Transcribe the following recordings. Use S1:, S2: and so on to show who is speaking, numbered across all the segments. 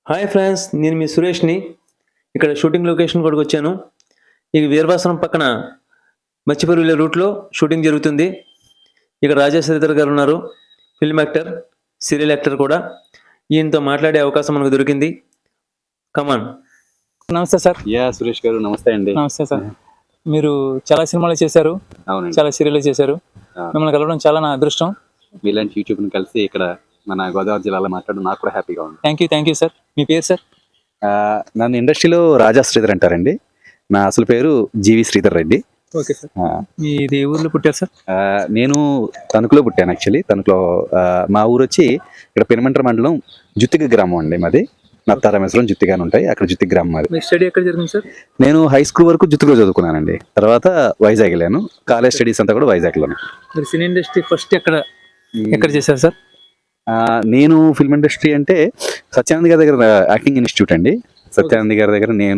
S1: Hi friends, నేను మీ సురేష్‌ని. ఇక్కడ shooting location కూడా వచ్చాను. ఇది వీరవాసనం పక్కన మచ్చిపూర్ వెళ్ళే రూట్‌లో షూటింగ్ జరుగుతుంది. ఇక్కడ రాజా శ్రీధర్ గారు ఉన్నారు. ఫిల్మ్ యాక్టర్, సీరియల్ యాక్టర్ కూడా. ఈయనతో మాట్లాడే అవకాశం మనకు దొరికింది. కమాన్. నమస్తే సార్.
S2: సురేష్ గారు నమస్తే అండి.
S1: నమస్తే సార్. మీరు చాలా సినిమాలు చేశారు,
S2: అవునండి,
S1: చాలా సీరియల్ చేశారు. మిమ్మల్ని కలవడం చాలా నా అదృష్టం.
S2: మీలాంటి యూట్యూబ్ని కలిసి ఇక్కడ మన గోదావరి జిల్లాలో మాట్లాడడం నాకు కూడా హ్యాపీగా ఉంది.
S1: Thank you sir. మీ పేరు సార్?
S2: నన్ను ఇండస్ట్రీలో రాజా శ్రీధర్ అంటారండి. నా అసలు పేరు G V Sridhar Reddy.
S1: Okay sir. మీది ఏ ఊర్లో పుట్టారు సార్?
S2: నేను తణుకులో పుట్టాను. యాక్చువల్లీ తణుకులో మా ఊరు వచ్చి ఇక్కడ పెనుమంట్ర మండలం జుత్తిగ గ్రామం అండి మాది. నత్తారామేశ్వరం జుత్తిగాని ఉంటాయి, అక్కడ జుత్తిగ గ్రామం మాది.
S1: మీ స్టడీ ఎక్కడ జరిగింది సార్?
S2: నేను హై స్కూల్ వరకు జుత్తిలో చదువుకున్నానండి. తర్వాత వైజాగ్ వెళ్ళాను. కాలేజ్ స్టడీస్ అంతా కూడా వైజాగ్లోనే.
S1: మీరు సినీ ఇండస్ట్రీ ఫస్ట్ ఎక్కడ చేశారు సార్?
S2: నేను ఫిల్మ్ ఇండస్ట్రీ అంటే సత్యానంద్ గారి దగ్గర యాక్టింగ్ ఇన్స్టిట్యూట్ అండి. సత్యానంద్ గారి దగ్గర నేను,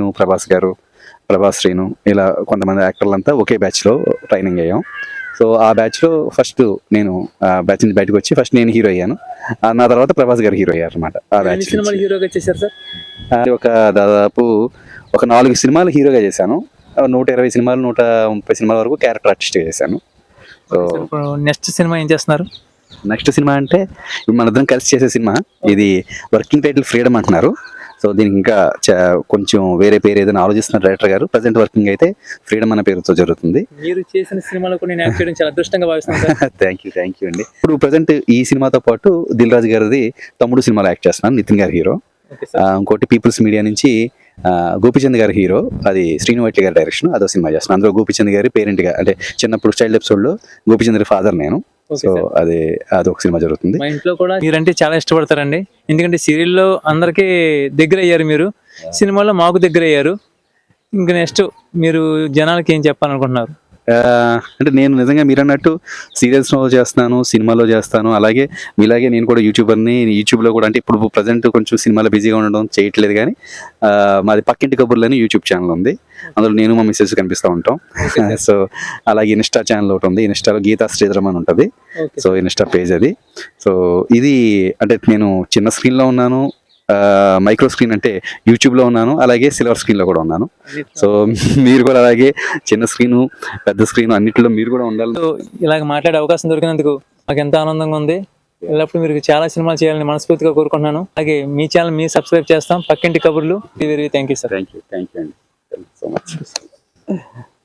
S2: ప్రభాస్ శ్రీను ఇలా కొంతమంది యాక్టర్లు అంతా ఒకే బ్యాచ్లో ట్రైనింగ్ అయ్యాం. సో ఆ బ్యాచ్లో ఫస్ట్ నేను బ్యాచ్ నుంచి బయటకు వచ్చి ఫస్ట్ నేను హీరో అయ్యాను. నా తర్వాత ప్రభాస్ గారు హీరో అయ్యారు అనమాట. ఆ బ్యాచ్
S1: హీరోగా చేశారు సార్?
S2: దాదాపు ఒక 4 సినిమాలు హీరోగా చేశాను. 120 సినిమాలు 130 సినిమాల వరకు క్యారెక్టర్ ఆర్టిస్ట్గా చేశాను. సో
S1: నెక్స్ట్ సినిమా ఏం చేస్తున్నారు?
S2: నెక్స్ట్ సినిమా అంటే ఇప్పుడు మనిద్దరం కలిసి చేసే సినిమా. ఇది వర్కింగ్ టైటిల్ ఫ్రీడమ్ అంటున్నారు. సో దీనికి ఇంకా కొంచెం వేరే పేరు ఏదైనా ఆలోచిస్తున్న డైరెక్టర్ గారు. ప్రజెంట్ వర్కింగ్ అయితే ఫ్రీడమ్ అనే పేరుతో జరుగుతుంది.
S1: మీరు చేసిన సినిమాలో నేను యాక్ట్ చేయడం చాలా అదృష్టంగా భావిస్తున్నాను.
S2: థ్యాంక్ యూ అండి. ఇప్పుడు ప్రజెంట్ ఈ సినిమాతో పాటు దిల్ రాజు గారిది తమ్ముడు సినిమాలో యాక్ట్ చేస్తున్నాను, నితిన్ గారి హీరో. ఇంకోటి పీపుల్స్ మీడియా నుంచి గోపిచంద్ గారి హీరో, అది శ్రీను వైట్ల గారి డైరెక్షన్, అదో సినిమా చేస్తున్నాను. అందులో గోపిచంద్ గారి పేరెంట్ గా, అంటే చిన్నప్పుడు చైల్డ్ ఎపిసోడ్ లో గోపిచంద్ గారి ఫాదర్ నేను. సో అదొక సినిమా జరుగుతుంది.
S1: మా ఇంట్లో కూడా మీరంటే చాలా ఇష్టపడతారండి. ఎందుకంటే సీరియల్లో అందరికీ దగ్గర అయ్యారు, మీరు సినిమాలో మాకు దగ్గర అయ్యారు. ఇంకా నెక్స్ట్ మీరు జనాలకి ఏం చెప్పాలనుకుంటున్నారు?
S2: అంటే నేను నిజంగా మీరు అన్నట్టు సీరియల్స్లో చేస్తాను, సినిమాలో చేస్తాను, అలాగే మీలాగే నేను కూడా యూట్యూబర్ని. యూట్యూబ్లో కూడా అంటే ఇప్పుడు ప్రజెంట్ కొంచెం సినిమాలో బిజీగా ఉండడం చేయట్లేదు, కానీ మాది పక్కింటి కబుర్లని యూట్యూబ్ ఛానల్ ఉంది. అందులో నేను మా మిస్సెస్ కనిపిస్తూ ఉంటాం. సో అలాగే ఇన్స్టా ఛానల్ ఒకటి ఉంది, ఇన్స్టాలో గీతా శ్రీధరం అని ఉంటుంది. సో ఇన్స్టా పేజ్ అది. సో ఇది అంటే నేను చిన్న స్క్రీన్లో ఉన్నాను, మైక్రో స్క్రీన్ అంటే యూట్యూబ్లో ఉన్నాను, అలాగే సిల్వర్ స్క్రీన్లో కూడా ఉన్నాను. సో మీరు కూడా అలాగే చిన్న స్క్రీను, పెద్ద స్క్రీన్ అన్నింటిలో మీరు కూడా ఉండాలి.
S1: ఇలాగ మాట్లాడే అవకాశం దొరికినందుకు నాకు ఎంత ఆనందంగా ఉంది. ఎల్లప్పుడు మీరు చాలా సినిమాలు చేయాలని మనస్ఫూర్తిగా కోరుకుంటున్నాను. అలాగే మీ ఛానల్ మీరు సబ్స్క్రైబ్ చేస్తాం, పక్కింటి కబుర్లు. Very thank you sir.
S2: Thank you అండి. Thank you so much.